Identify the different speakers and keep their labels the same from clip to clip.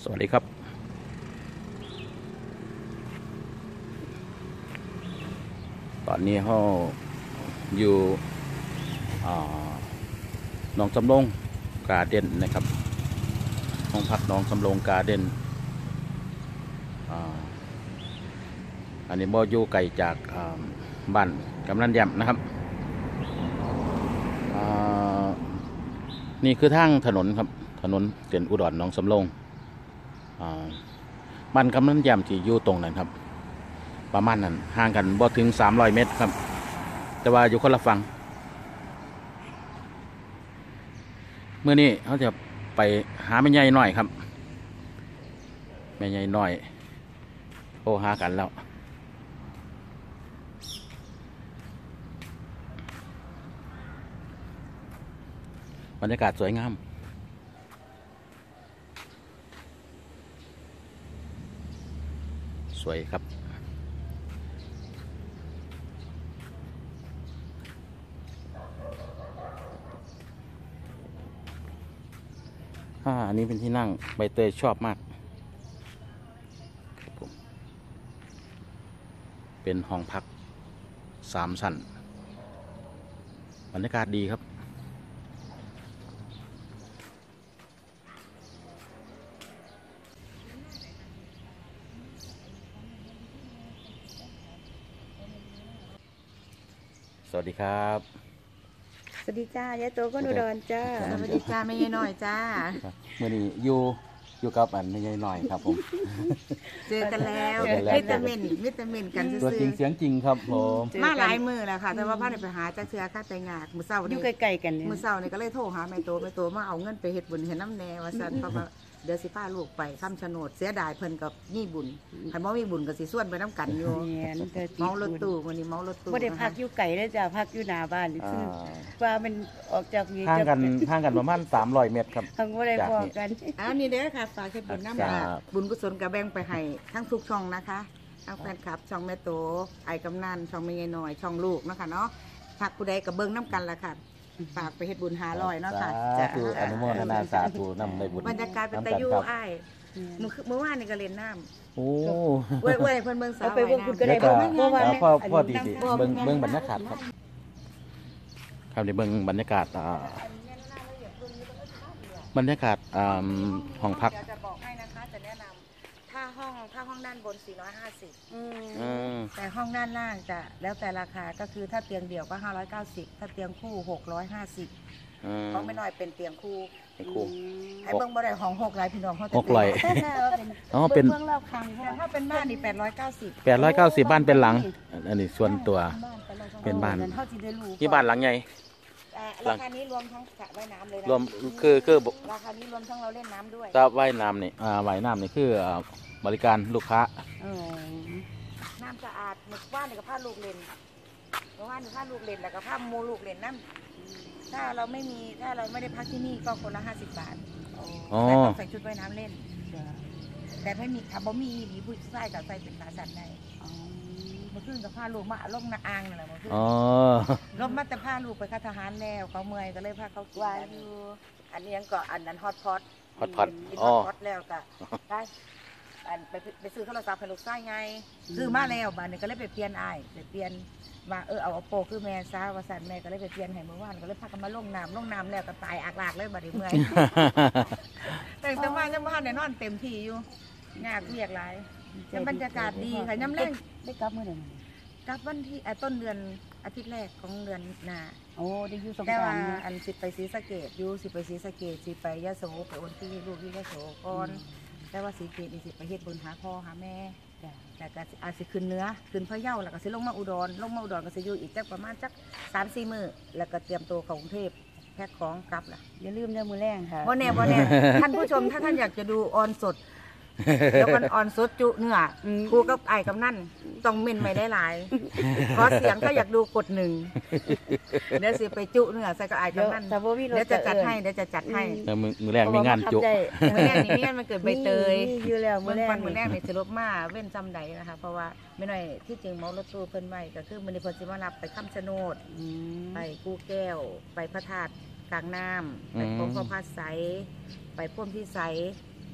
Speaker 1: สวัสดีครับตอนนี้เราอยู่หนองสำโรงการ์เด้นนะครับห้องพักหนองสำโรงการ์เด้นอันนี้บ่อยู่ไกลจากบ้านกำนันแย้มนะครับนี่คือทางถนนครับถนนเส้นอุดรหนองสำโรงบ้านกำนันแย้มที่อยู่ตรงนั้นครับประมาณนั้นห่างกันบ่ถึง300 เมตรครับแต่ว่าอยู่คนละฝั่งเมื่อนี้เขาจะไปหาแม่ใหญ่หน่อยครับแม่ใหญ่หน่อยโทรหากันแล้วบรรยากาศสวยงามสวยครับอันนี้เป็นที่นั่งใบเตยชอบมากครับผมเป็นห้องพัก3 ชั้นบรรยากาศดีครับสวัสดีครับ
Speaker 2: สวัสดีจ้ายายโตก็อุดรจ้า
Speaker 3: สวัสดีจ้าไม่ยายน้อยจ้า
Speaker 1: เมื่อนี้อยู่กับอันไม่ใช่น้อยครับผม
Speaker 3: เจอกันแล้ว
Speaker 1: เจอกันแล้ว
Speaker 3: วิตามินกันซื้
Speaker 1: ตัวจริงเสียงจริงครับผม
Speaker 3: มาหลายมือแล้วค่ะ แต่ว่าพ่อได้ไปหาจักเทือค่าแต่งงานมือเศร้า
Speaker 2: อยู่
Speaker 3: นี่
Speaker 2: ใกล้ๆกันเนี่ย
Speaker 3: มือเศร้านี่ก็เลยโทรหาแม่โตมาเอาเงินไปเฮ็ดบุญเห็นน้ำแน่ว่าซั่นเพราะว่าเดี๋ยวสิพาลูกไปคำชะโนดเสียดายเพิ่นกับมีบุญคันบ่มีบุญก็สิส่วนไปน้ำกันอยู่
Speaker 2: เนี่ยมันจะติด
Speaker 3: เมารถตู้วันนี้เมารถตู้
Speaker 2: บ่ได้พักอยู่ไกลเลยจ้าพักอยู่หน้าบ้านนี่คือว่ามันออกจากนี้
Speaker 1: ห่างกันประมาณ300 เมตรครับ
Speaker 2: ทางบ่ได้พอกัน
Speaker 3: อ้าวนี่เด้อค่ะฝากเฮ็ดบุญน้ำ
Speaker 1: ครับ
Speaker 3: บุญกุศลก็แบ่งไปให้ทั้งทุกช่องนะคะทั้งแฟนคลับช่องแม่โตไอ้กำนันช่องแม่ยายน้อยช่องลูกเนาะค่ะเนาะฝากผู้ใดก็เบิ่งน้ำกันล่ะค่ะฝากไปเฮ็ดบุญ500เนาะค่ะ
Speaker 1: สาธุอนุโมทนาสาธุนำในบุญ
Speaker 3: บรรยากาศเป็นตะยูอ้ายเมื่อวานนี่ก็เล่นน้ำ
Speaker 1: โอ้
Speaker 3: เว้ยเพิ่นเบิ่งสาว
Speaker 2: เอาไปเบิ่งคุณก็
Speaker 1: แล้
Speaker 2: ได้
Speaker 1: วก็
Speaker 2: เพราะว่า
Speaker 1: พ่อดีสิเบิ่งบรรยากาศครับครับในเบิ่งบรรยากาศบรรยากาศห้องพัก
Speaker 3: เดี๋ยวจะบอกให้นะคะจะแนะนำถ้าห้องด้านบน450 แต่ห้องด้านล่างจะแล้วแต่ราคาก็คือถ้าเตียงเดี่ยวก็590ถ้าเตียงคู่650ของไม่น้อยเป็นเตียงคู่
Speaker 1: ให้ครู
Speaker 3: ให้เบิ่งบ่ได้ของ6หลายพี่น้องเขาจะ
Speaker 1: อ๋อเป็น
Speaker 2: เบื้องรอบคาง
Speaker 3: แต่ถ้าเป็นบ้านนี่890
Speaker 1: 890บ้านเป็นหลังอันนี้ส่วนตัว เป็นบ้าน
Speaker 2: เท่าที่ได้รู้
Speaker 1: ที่บ้านหลังใหญ่
Speaker 3: ราคานี้รวมทั้งสระว่ายน้ำเลยนะ
Speaker 1: รวมคือ
Speaker 3: ราคานี้รวมทั้งเราเล่นน้ำด้วย
Speaker 1: ตาว่ายน้ำนี่ว่ายน้ำนี่คือบริการลูกค้า
Speaker 3: น้ำสะอาดหมึกว่านนี่กับผ้าลูกเล่นเมื่อวานนี่ผ้าลูกเล่นแล้วก็ผ้ามูลูกเล่นน้ำถ้าเราไม่ได้พักที่นี่ก็คนละ50 บาท
Speaker 1: อ๋อ
Speaker 3: แต่ต้องใส่ชุดว่ายน้ำเล่น แต่ไม่มีถ้าบ่มีดีผู้ชายกับใส่เป็นขาสั่นได้เมื่อคืนกับผ้าลูกมาลงนาอ่างนั่นแหละเมื่อคืน
Speaker 1: อ๋อ
Speaker 3: ลบมาแต่ผ้าลูกไปค่าทหารแล้วเขาเมื่อยก็เลยพาเขากินกันอันนี้ยังก็อันนั้นฮอตพอต
Speaker 1: ฮอตพอต
Speaker 3: กิน
Speaker 1: อ๋
Speaker 3: ฮ
Speaker 1: อ
Speaker 3: อตพอตแล้วก็ได้อันไปซื้อโทรศัพท์ให้ลูกชายไงซื้อมาแล้วบ้านนี้ก็เลยไปเปลี่ยนอ้ายไปเปลี่ยนว่าเอาโปคือแม่ซาว่าสันแม่ก็เลยไปเปลี่ยนให้เมื่อวานก็เลยพากันมาลงน้ำแล้วก็ตายอากลากเลยบัดนี้เมื่อย แต่ว่ายังบ้านเนี่ยนอนเต็มที่อยู่งานเรียกหลายแต่บรรยากาศดีค่ะน้ำแรง
Speaker 2: ได้กลับมื้อใด
Speaker 3: กลับวันที่ต้นเดือนอาทิตย์แรกของเดือนหน้า
Speaker 2: โอ้ได้อยู่สง
Speaker 3: แต่
Speaker 2: กรา
Speaker 3: ว่าน
Speaker 2: ต์
Speaker 3: อันสิไปศรีสะเกษอยู่สิไปศรีสะเกษสิไปยะโสไปโอนที่ลูกที่ยะโสก่อนแต่ว่าศรีสะเกษนี่สิไปเฮ็ดบุญหาพ่อหาแม่แต่ก็อาจสิขึ้นเหนื้อขึ้นพะเยาแล้วก็สิลงมาอุดรก็สิอยู่อีกจักประมาณจัก3-4 มื้อแล้วก็เตรียมตัวเข้ากรุงเทพแพ็คของกลับล่ะ
Speaker 2: อย่าลืมเด้อมื้อแรงค่ะ
Speaker 3: บ่แน่ ท่านผู้ชมถ้าท่านอยากจะดูออนสดเดี๋ยวกันออนสดจุเนื้อครูกับไอ้กับนั่นต้องเม่นไม่ได้หลายขอเสียงถ้าอยากดูกด1เดี๋ยวสิไปจุเนื้อใส่กับไอ้กับนั่น
Speaker 2: แต่บ่มีรถ
Speaker 3: เดี๋ยวจะจัดให้มือแรกมีงานจุมันเกิดใบเตย
Speaker 2: อยู่แล้วมื้
Speaker 3: เมื่
Speaker 2: อ
Speaker 3: อ
Speaker 2: แร
Speaker 3: วัน
Speaker 2: ก
Speaker 3: มือแรกเนี่ยจะลบมาเว้นจำใดนะคะเพราะว่าไม่น้อยที่จริงเมารถตู้เพิ่นไว้ก็คือมันเพิ่นสิมารับไปคำชะโนดไปกู้แก้วไปพระธาตุกลางน้ำไปพบพระพาสใสไปพ่วมที่ใส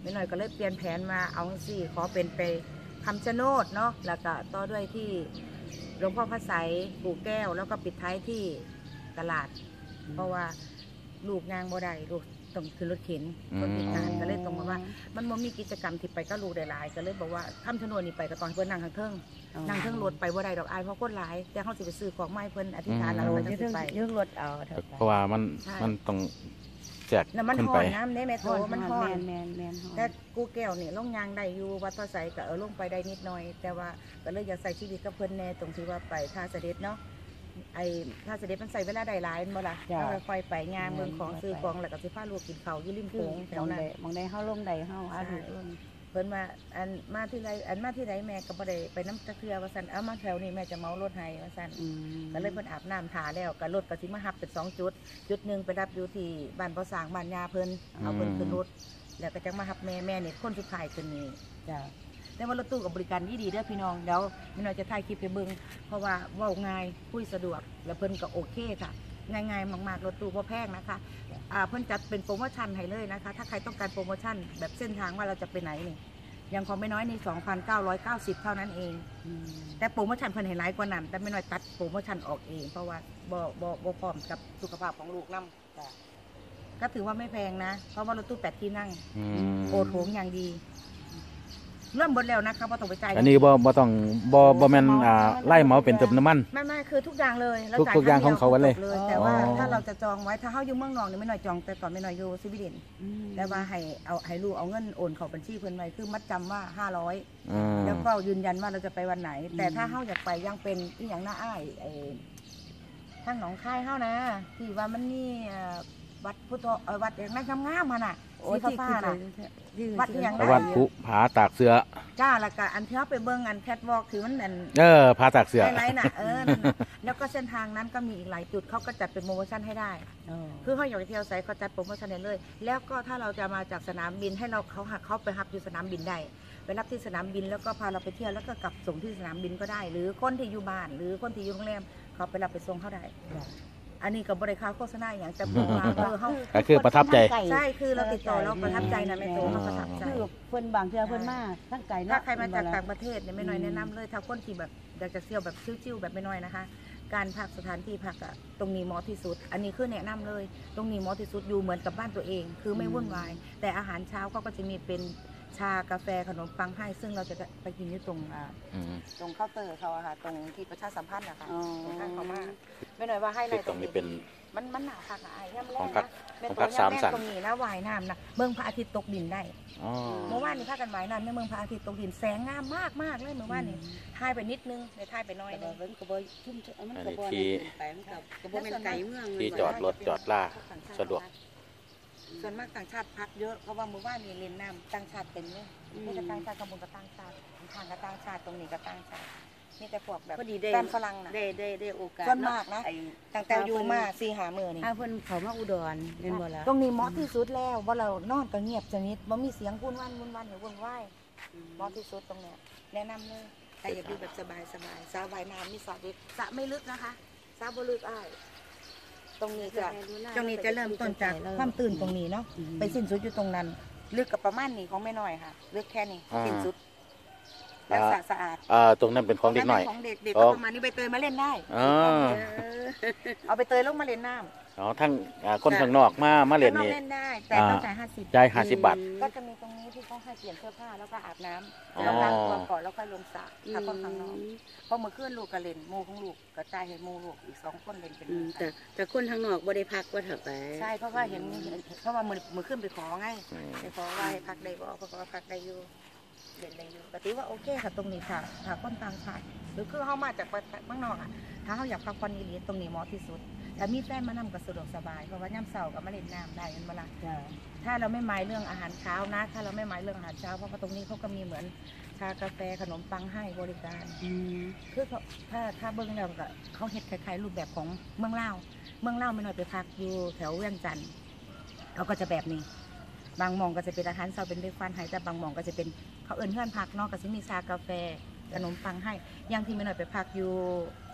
Speaker 3: ไม่น้อยก็เลยเปลี่ยนแผนมาเอาสิขอเป็นไปคำชะโนดเนาะแล้วก็ต่อด้วยที่หลวงพ่อพระไสยปู่แก้วแล้วก็ปิดท้ายที่ตลาด เพราะว่าลูกงานบ่ได้ลูกต้องขึ้นรถเข็นคนพิการก็เลยต้องมาว่ามันบ่มีกิจกรรมที่ไปก็ลูกได้หลายก็เลยบอกว่าคำชะโนดนี่ไปก็ตอนเพิ่นนั่งข้างเทิงนั่งเทิงรถไปบ่ได้ดอกอายเพราะคนหลายแต่เขาสิไปซื้อของไม้เพิ่นอธิษฐานแล้ว
Speaker 2: โอ้
Speaker 3: ก็
Speaker 2: ย
Speaker 3: จะ
Speaker 2: เรื่อง
Speaker 3: ไป
Speaker 2: เรื่องรถเอาเถอะ
Speaker 1: เพราะว่ามันต้องแจก
Speaker 3: แล้วมัน
Speaker 1: ขึ้น
Speaker 3: ห่
Speaker 1: ไป
Speaker 3: อนน้ำเนี่ยแม่โตมันห่อน
Speaker 2: แมน
Speaker 3: แต่กูแก้วนี่ลงยางได้อยู่วัดพระไสยก็ลงไปได้นิดหน่อย แต่ว่าก็เลยอยากใส่ชีวิตกับเพิ่นแน่ตรงที่ว่าไปท่าเสด็จเนาะไอ้ท่าเสด็จมันใส่เวลาได้หลายบ่ล่ะเราค่อยไปงานเมืองของซื้อของแล้วก็สิพาลูกกินข้าวอยู่ริมโขงแถวนั้น
Speaker 2: มองได้เฮาลงได้เฮาอาถูกลง
Speaker 3: เพิ่นมามาที่ไรมาที่ไรแม่ก็บ่ได้ไปน้ำตะเคียว่าซั่นเอามาแถวนี้แม่จะเมารถให้ว่าซั่นก็เลยเพิ่นอาบน้ำทาแล้วก็รถก็สิมารับเป็น2จุดจุดหนึงไปรับอยู่ที่บ้านพ่อสร้างบ้านยาเพิ่นเอาเพิ่นขึ้นรถแล้วก็จังมารับแม่นี่คนสุดท้ายขึ้นนี่
Speaker 2: จ้ะ
Speaker 3: แต่ว่ารถตู้กับบริการดีเด้อพี่น้องเดี๋ยวพี่น้องจะถ่ายคลิปไปเบิ่งเพราะว่าเว้าง่ายคุยสะดวกแล้วเพิ่นก็โอเคค่ะง่ายๆมากๆรถตู้บ่แพงนะคะเพิ่นจัดเป็นโปรโมชั่นให้เลยนะคะถ้าใครต้องการโปรโมชั่นแบบเส้นทางว่าเราจะไปไหนนี่ยังของไม่น้อยนี่ 2,990 เท่านั้นเองแต่โปรโมชั่นเพิ่นให้หลายกว่านั้นแต่ไม่น้อยตัดโปรโมชั่นออกเองเพราะว่าบ่พร้อมกับสุขภาพของลูกนำก็ถือว่าไม่แพงนะเพราะว่ารถตู้8ที่นั่งโอโถงอย่างดีเริ่มหมดแล้วนะคะเพราะต้องไปจ่าย
Speaker 1: อันนี้บ่ต้องบ่แม่นไล่เหมาเป็นเติมน้ำมัน
Speaker 3: ไม่คือทุกอย่างเลย
Speaker 1: ทุกอย่างของเขาไว้เลย
Speaker 3: แต่ว่าถ้าเราจะจองไว้ถ้าเขาอยู่เมืองนอกนี่ไม่น้อยจองแต่ก่อนไม่น้อยอยู่สวีเดนแต่ว่าให้ลูกเอาเงินโอนเข้าบัญชีเพิ่นไว้คือมัดจำว่า500แล้วก็ยืนยันว่าเราจะไปวันไหน แต่ถ้าเขาอยากไปยังเป็นอีหยังหน้าอ้ายทางหนองคายเฮานะที่ว่ามันนี่วัดพุทธวัดอย่างนั้นงามๆมันน่ะสีฟ้าน่ะวัดอย่าง
Speaker 1: วัดภูผาตากเสือ
Speaker 3: จ้าแล้วก็อันที่เขาไปเบิ่งอันแคทวอล์กถือมันอัน
Speaker 1: ผาตากเสือ
Speaker 3: ไฮไลท์น่ะนั่นน่ะแล้วก็เส้นทางนั้นก็มีอีกหลายจุดเขาก็จัดเป็นโปรโมชั่นให้ได้คือเขาอยากไปเที่ยวไซเขาจัดโปรโมชั่นให้เลย แล้วก็ถ้าเราจะมาจากสนามบินให้เขาไปรับอยู่สนามบินได้ไปรับที่สนามบินแล้วก็พาเราไปเที่ยวแล้วก็กลับส่งที่สนามบินก็ได้ หรือคนที่อยู่บ้านหรือคนที่อยู่โรงแรมเขาไปรับไปส่งเขาได้อันนี้กับบริการโฆษณาอย่างแต่พูดว่าเขา
Speaker 1: ก็คือประทับใจ
Speaker 3: ใช่คือเราติดต่อเราประทับใจนะแม่โตเขาประทับใจ
Speaker 2: คือเพิ่นบางเทื่อเพิ่นมาทั้งไก่
Speaker 3: ถ้าใครมาจากต่างประเทศเนี่ยไม่น้อยแนะนำเลยถ้าคนที่แบบอยากจะเที่ยวแบบชิวๆแบบไม่น้อยนะคะ การพักสถานที่พักอะตรงนี้เหมาะที่สุด อันนี้คือแนะนำเลยตรงนี้เหมาะที่สุดอยู่เหมือนกับบ้านตัวเอง คือไม่วุ่นวายแต่อาหารเช้าเขาก็จะมีเป็นชากาแฟขนมปังให้ซึ่งเราจะไปกินอยู่ตรงเคาน์เตอร์เขาอะค่ะตรงที่ประชาสัมพันธ์นะคะตรงข้างเขามาไม่น้อยว่าให้ในตรงนี้เป็นมันหนาคักอะไอ้ย่ำแรกนะเป็นตัวย่ำแรกตรงนี้นะว่ายน้ำนะเมืองพระอาทิตย์ตกดินได้เมื่อวานนี้พากันว่ายน้ำในเมืองพระอาทิตย์ตกดินแสงงามมากเลยเมื่อวานนี้ถ่ายไปนิดนึงเดี๋ยวถ่ายไปน้อยนึง
Speaker 2: เพิ่นก็บ่ชุ่มมันก็บ่ไปมันก็บ่แม่นไก่เมือง
Speaker 1: ที่จอดรถจอดล่าสะดวก
Speaker 3: ส่วนมากต่างชาติพักเยอะเพราะว่าเมื่อวานนี้เล่นน้ำต่างชาติเต็มเลยมีแต่ต่างชาติกำบุงกับต่างชาติทางกับต่างชาติตรงนี้กับต่างชาติมีแต่พวกแบบแฟนฝรั่งนะ
Speaker 2: ได้โอกาส
Speaker 3: ส่วนมากนะตั้งแต่อยู่มา4-5 มื้อนี่
Speaker 2: ถ้าเพิ่นเข้ามาอุดรเห็นบ่ล่ะ
Speaker 3: ตรงนี้เหมาะที่สุดแล้วว่าเรานอนก็เงียบสนิทบ่มีเสียงวุ่นวันหรือวุ่นวายเหมาะที่สุดตรงเนี้ยแนะนำเลยแต่อย่าดูแบบสบายสระว่ายน้ำมีสระเด็กสระไม่ลึกนะคะสระบ่ลึกอ้ายตรงนี้จะเริ่มต้นจากความตื่นตรงนี้เนาะไปสิ้นสุดอยู่ตรงนั้นลึกกับประมาณนี้ของไม่น้อยค่ะลึกแค่นี้สิ้นสุดแล้วสะอาด
Speaker 1: ตรงนั้นเป็นของเด็กหน่อย
Speaker 3: ของเด็กก็ประมาณนี้ใบเตยมาเล่นได้เอาใบเตยลงมาเล่นน้ำ
Speaker 1: ทั้งคนข้างนอกมาเล่นนี่
Speaker 3: เล่นได้แต่ต้องจ่าย50
Speaker 1: จ่าย50 บาท
Speaker 3: ก็จะมีตรงนี้ที่เขาให้เปลี่ยนเสื้อผ้าแล้วก็อาบน้ำแล้วล้างตัวก่อนแล้วค่อยลงสระถ้าคนข้างนอกพอเมื่อคืนลูกก็เล่นโมของลูกก็จ่ายให้โมลูกอีก2 คนเล่นเป็น
Speaker 2: แต่คนทางนอกบ่ได้พักว่าเถอะไป
Speaker 3: ใช่เพราะว่าเห็นเพราะว่ามือขึ้นไปขอไงไปขอว่าให้พักได้บ่เพราะว่าพักได้อยู่เล่นได้อยู่ปกติว่าโอเคค่ะตรงนี้ค่ะถ้าคนต่างชาติหรือคือเขามาจากเมืองนอกอ่ะถ้าเขาอยากพักผ่อนอีหลีตรงนี้เหมาะที่สุดแต่มีแฟนมานำก็สะดวกสบายเพราะว่าย่ำเสาร์กับมาเล่นน้ำได้กันเวลาถ้าเราไม่หมายเรื่องอาหารเช้านะถ้าเราไม่หมายเรื่องอาหารเช้าเพราะว่าตรงนี้เขาก็มีเหมือนชากาแฟขนมปังให้บริการคือถ้าเบิ้งแล้วก็เขาเฮ็ดคล้ายๆรูปแบบของเมืองเล่าไม่น้อยไปพักอยู่แถวเวียงจันทร์เขาก็จะแบบนี้บางหม่องก็จะเป็นอาหารเช้าเป็นเบรกฟาสต์ให้แต่บางหม่องก็จะเป็นเขาเอิ้นเพื่อนพักเนาะก็จะมีชากาแฟขนมปังให้อย่างที่ไม่น้อยไปพักอยู่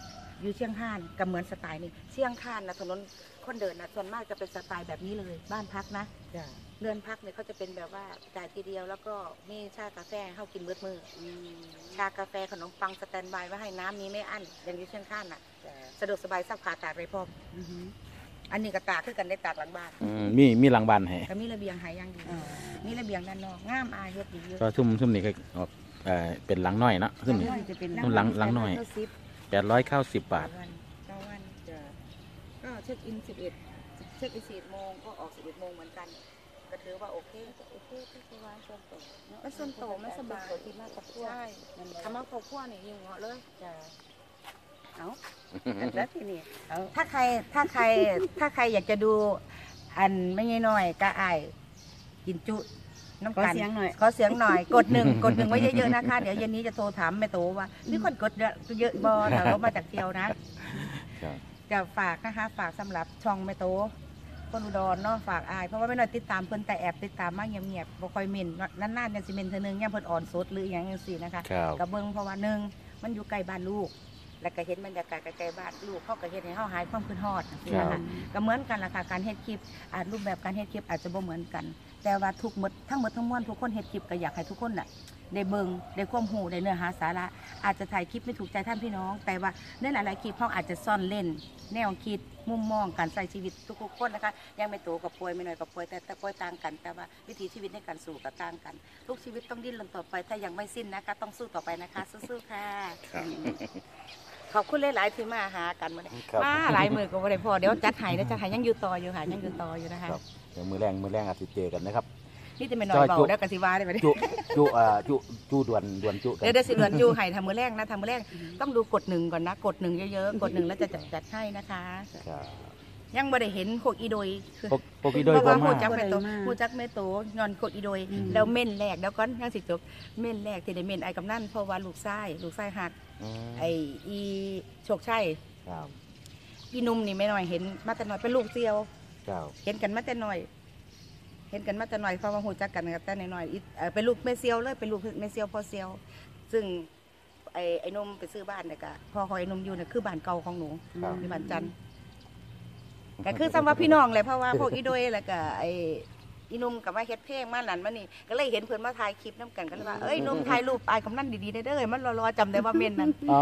Speaker 3: อยู่เชียงคานก็เหมือนสไตล์นี้เชียงคานนะถนนคนเดินนะส่วนมากจะเป็นสไตล์แบบนี้เลยบ้านพักนะ
Speaker 2: จ้ะ
Speaker 3: เรือนพักเนี่ยเขาจะเป็นแบบว่าจ่ายทีเดียวแล้วก็มีชากาแฟให้เขากินเบิดมือชากาแฟขนมปังสแตนบายไว้ให้น้ำมีไม่อั้นอย่างอยู่เชียงคานน่ะ
Speaker 2: จ้ะ
Speaker 3: สะดวกสบายซักผ้าตากไปพร้อม
Speaker 2: อือหือ
Speaker 3: อันนี้ก็ตากคือกันได้ตากหลังบ้าน
Speaker 1: มีหลังบ้านให้
Speaker 3: ก็มีระเบียงหายอย่างดี
Speaker 2: อ๋อ
Speaker 3: มีระเบียงด้านนอกงามอายเฮ็ดดีอยู่
Speaker 1: ก็ซุ่มนี่ก็ออกเป็นหลังน้อยเนาะซุ่มนี่
Speaker 2: จะเป็น
Speaker 1: หลังหน่อย 890 บาท
Speaker 3: 9 วัน
Speaker 2: จ้ะ
Speaker 3: ก็เช็คอิน11เช็คอิน11 โมงก็ออก11 โมงเหมือนกันก็ถือว่าโอเค
Speaker 2: โอเคที่ว่าส่วนตัวเนาะ
Speaker 3: มันส่วนโตมันสบาย
Speaker 2: ส่วนที่มากกับพวก
Speaker 3: ใช่
Speaker 2: นั่นแหละ
Speaker 3: ทำมาครอบครัวนี่ยิ่งเหมาะเลย
Speaker 2: จ้ะเอาแล้วทีนี้เอา
Speaker 3: ถ้าใครอยากจะดูอันไม่ง่ายน้อยก็อายกินจุน้ำ
Speaker 2: ขอ
Speaker 3: กัน
Speaker 2: เสียงหน่อย
Speaker 3: ขอเสียงหน่อยกดหนึ่งไว้เยอะๆนะคะเดี๋ยวเย็นนี้จะโทรถามแม่โตว่ามีคนกดเยอะบอถ้าเขามาจากเที่ยวนะครับ จะฝากนะคะฝากสำหรับช่องแม่โตคนอุดรเนาะฝากอายเพราะว่าไม่น้อยติดตามเพิ่นแต่แอบติดตามมาเงียบๆบ่ค่อยเม่นนานๆเนี่ยสิเม่นเทื่อนึงย่ามเพิ่นอ่อนสดหรืออย่างจังซี่นะคะ
Speaker 1: ครับ
Speaker 3: กับเบิ่งเพราะว่าหนึ่งมันอยู่ใกล้บ้านลูก แล้วก็เห็นบรรยากาศใกล้ๆบ้านลูกเขาก็เฮ็ดให้เฮาหายความคิดฮอดนี่นะคะก็เหมือนกันล่ะค่ะการเฮ็ดคลิปรูปแบบการเฮ็ดคลิปอาจจะบ่เหมือนกัน แต่ว่าทั้งหมดทั้งมวลทุกคนเฮ็ดคลิปก็อยากให้ทุกคนน่ะได้เบิ่งได้ความรู้ได้เนื้อหาสาระอาจจะถ่ายคลิปไม่ถูกใจท่านพี่น้อง แต่ว่าในหลายๆคลิปเขาอาจจะซ่อนเล่น แนวคิดมุมมองการใช้ชีวิตทุกๆคนนะคะยังไม่โตกับป่วยไม่น้อยกับป่วยแต่ป่วยต่างกัน แต่ว่าวิถีชีวิตในการสู้ก็ต่างกัน ทุกชีวิตต้องดิ้นรนต่อไปถ้ายังไม่สิ้นนะคะต้องสู้ต่อไปนะคะสู้ๆค่ะ
Speaker 1: ครับ
Speaker 3: ขอบคุณหลายๆที่มาหากันมาเนี่ย
Speaker 1: ครับ
Speaker 3: มาหลายมือก็บ่ได้พอเดี๋ยวจัดให้แล้วจัดให้ยังอยู่ต่ออยู่ค่ะยังอยู่ต่ออยู่นะคะ
Speaker 1: ครับเดี๋ยวมือแรงอาจจะเจอกันนะครับ
Speaker 3: นี่จะไม่น้อยเบาแล้วกันสิว่าได้ไหม
Speaker 1: จุด่วนจุกัน
Speaker 3: เดี๋ยวสิเดือนอยู่ให้ทำมือแรกนะทำมือแรกต้องดูกดหนึ่งก่อนนะกดหนึ่งเยอะๆกดหนึ่งแล้วจะจัดให้นะคะ
Speaker 1: ครับ
Speaker 3: ยังบ่ได้เห็นโคกอีโดยคือ
Speaker 1: พวกพี่โดย
Speaker 3: เพราะ
Speaker 1: บ่
Speaker 3: ว่า
Speaker 1: มา
Speaker 3: หูจักแม่โตหูจักแม่โตงอนโคกอีโดยแล้วเม่นแรกแล้วก็ยังสิจบเม่นแรกที่ได้เม่นไอ้กำนันเพราะว่าลูกชายหัก
Speaker 1: อืม
Speaker 3: ไอ้อีโชคชัย
Speaker 1: ครับ
Speaker 3: อีนุ่มนี่ไม่น้อยเห็นมาแต่น้อยเป็นลูกเซียว
Speaker 1: ครับ
Speaker 3: เห็นกันมาแต่น้อยเพราะว่าหูจักกันกับแต่น้อยๆเป็นลูกแม่เซียวเลยเป็นลูกแม่เซียวพ่อเซียว ซึ่งไอ้นุ่มไปซื้อบ้านเนี่ยก็พ่อของไอ้นุ่มอยู่เนี่ยคือบ้านเก่าของหนู
Speaker 1: ครับ
Speaker 3: ที่บ้านจันทร์ก็คือซ้ำว่าพี่น้องเลยเพราะว่าพวกอีโดยแล้วก็ไอ้อีนุ่มกับมาเฮ็ดเพลงมานั่นมานี่ก็เลยเห็นเพิ่นมาถ่ายคลิปน้ำกันก็เลยว่าเอ้ยนุ่มถ่ายรูปอายกำนันดีๆได้เด้อมันรอๆจำได้ว่าเม่นนั่น
Speaker 1: อ๋อ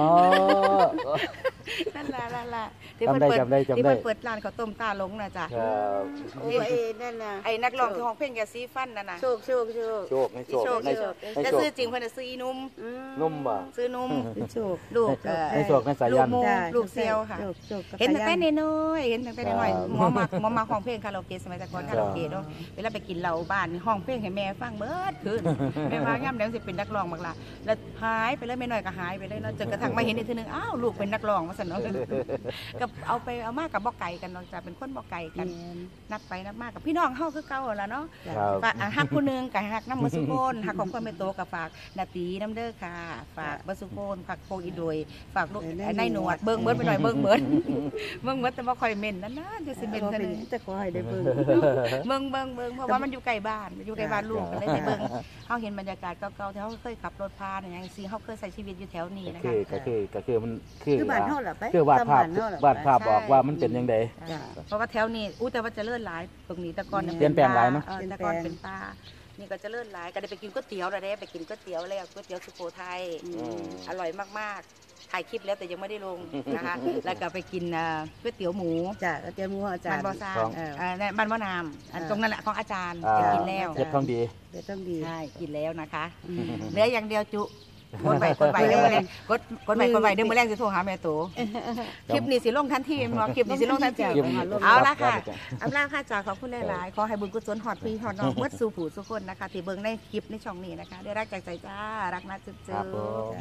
Speaker 3: นั่นล่ะที่
Speaker 1: จำได้
Speaker 3: เพิ่นเปิด
Speaker 1: จำได้
Speaker 3: ร้านข้าวต้มตาหลงน่ะจ้ะ
Speaker 1: ครับ
Speaker 2: โอ้ยนั่นน่ะ
Speaker 3: ไอ้นักร้องที่ห้องเพลงแกซีฟันน่ะนะ
Speaker 2: โชค
Speaker 1: โชคให้โชค
Speaker 3: โชค
Speaker 1: ให้โชค
Speaker 3: แต่ซื้อจริงเพิ่นน่ะซื้ออีนุ่ม
Speaker 1: นุ่มบ่
Speaker 3: ซื้อนุ่ม
Speaker 2: โชค
Speaker 3: ลูก
Speaker 1: ให้โชคให้สายัน
Speaker 3: ลูกโม ลูกเซียวค่ะ
Speaker 2: โชคกับ
Speaker 3: เห็นตั้งแต่
Speaker 2: สายั
Speaker 3: น้อยๆเห็นตั้งแต่น้อย
Speaker 1: ครับ
Speaker 3: หมอมาห้องเพลงคาราโอเกะสมัยแต่ก่อนคาราโอเกะเนาะเวลาไปกินเหล้าบ้านนี่ห้องเพลงให้แม่ฟังเบิดคืนแม่ว่าย่ำแล้วสิเป็นนักร้องบักล่ะแล้วหายไปเลยแม่น้อยก็หายไปเลยเนาะจนกระทั่งมาเห็นอีกทีนึงอ้าวลูกเป็นนักร้องว่าซั่นเนาะก็เอาไปเอามากับบ่ไก่กันเนาะจ้ะเป็นคนบ่ไก่กัน นัดไปนัดมากับพี่น้องเฮาคือเก่าแล้วเนาะ
Speaker 1: ครับ
Speaker 3: ฝากฮักผู้หนึงกับฮักน้ำมือสุโคนฮักของคนไม่โตกับฝากนาตีน้ำเด้อค่ะ ฝากเบอร์สุโคนฝากโคอีโดยฝากลูกไอ้นายหนวดเบิ่งเบิดไปหน่อยเบิ่งเบิดเบิ่งเบิดแต่บ่ค่อยเม่นนั่นนะจะสิเม่น
Speaker 2: เป็
Speaker 3: เท่าน นึง
Speaker 2: แต่ขอให้ได้เบิ่ง
Speaker 3: เบิ่งเพราะว่ามันอยู่ใกล้บ้านอยู่ใกล้บ้านลูกก็เลยได้เบิ่งเฮาเห็นบรรยากาศเก่าๆที่เฮาเคยขับรถผ่านอย่างซี่เฮาเคยใช้ชีวิตอยู่แถวนี้นะ
Speaker 1: คื
Speaker 3: คะ
Speaker 1: ก็คือมันคือ
Speaker 2: คือบ้านเฮาล่ะไป
Speaker 1: คือวาดภาพ
Speaker 2: ตมบ้นเฮล่ะ
Speaker 1: วาดภาพ
Speaker 2: ไป
Speaker 1: บอกว่ามันเป็นยังไง
Speaker 2: จ้ะ
Speaker 3: เพราะว่าแถวนี้แต่ว่าเจะเลื่อนหลายตรงนี้แต่ก่อน
Speaker 2: เปลี่ยนแปลงหลายเนอะ
Speaker 3: แต่ก่อนเป็นป่านี่ก็เจะเลื่อนหลายก็ได้ไปกินก๋วยเตี๋ยวแล้วได้ไปกินก๋วยเตี๋ยวแล้วก๋วยเตี๋ยวสุโขทัย อร่อยมากๆถ่ายคลิปแล้วแต่ยังไม่ได้ลงนะคะ แล้วก็ไปกินก๋วยเตี๋ยวหมู
Speaker 2: จ้ะแล้วเตรียมหมูอาจาร
Speaker 3: บ้าน
Speaker 2: ย์
Speaker 3: บ่อซาง
Speaker 1: ของ
Speaker 3: บ้านบ่อนามตรงนั้นแหละของอาจารย์
Speaker 1: อ่า
Speaker 3: จะกินแล้ว
Speaker 1: เจ็ดทองดี
Speaker 2: เดี๋ยวต้องดี
Speaker 3: ใช่กินแล้วนะคะ
Speaker 2: อืม
Speaker 3: เหลืออย่างเดียวจุกดไปเดี๋ยวมื้อแรงกดไปเดี๋ยวมื้อแรงสิโทรหาแม่โตคลิปนี้สิลงทันทีเนาะคลิปนี้สิลงทันที เอาละค่ะอำลาค่ะจากขอบคุณหลายๆขอให้บุญกุศลหอดพี่หอดน้องเมื่อสู่ผู้สุขคนนะคะที่เบิ่งในคลิปในช่องนี้นะคะ ได้รักจากใจจ้ารักนะจุ๊บ
Speaker 1: ครับผม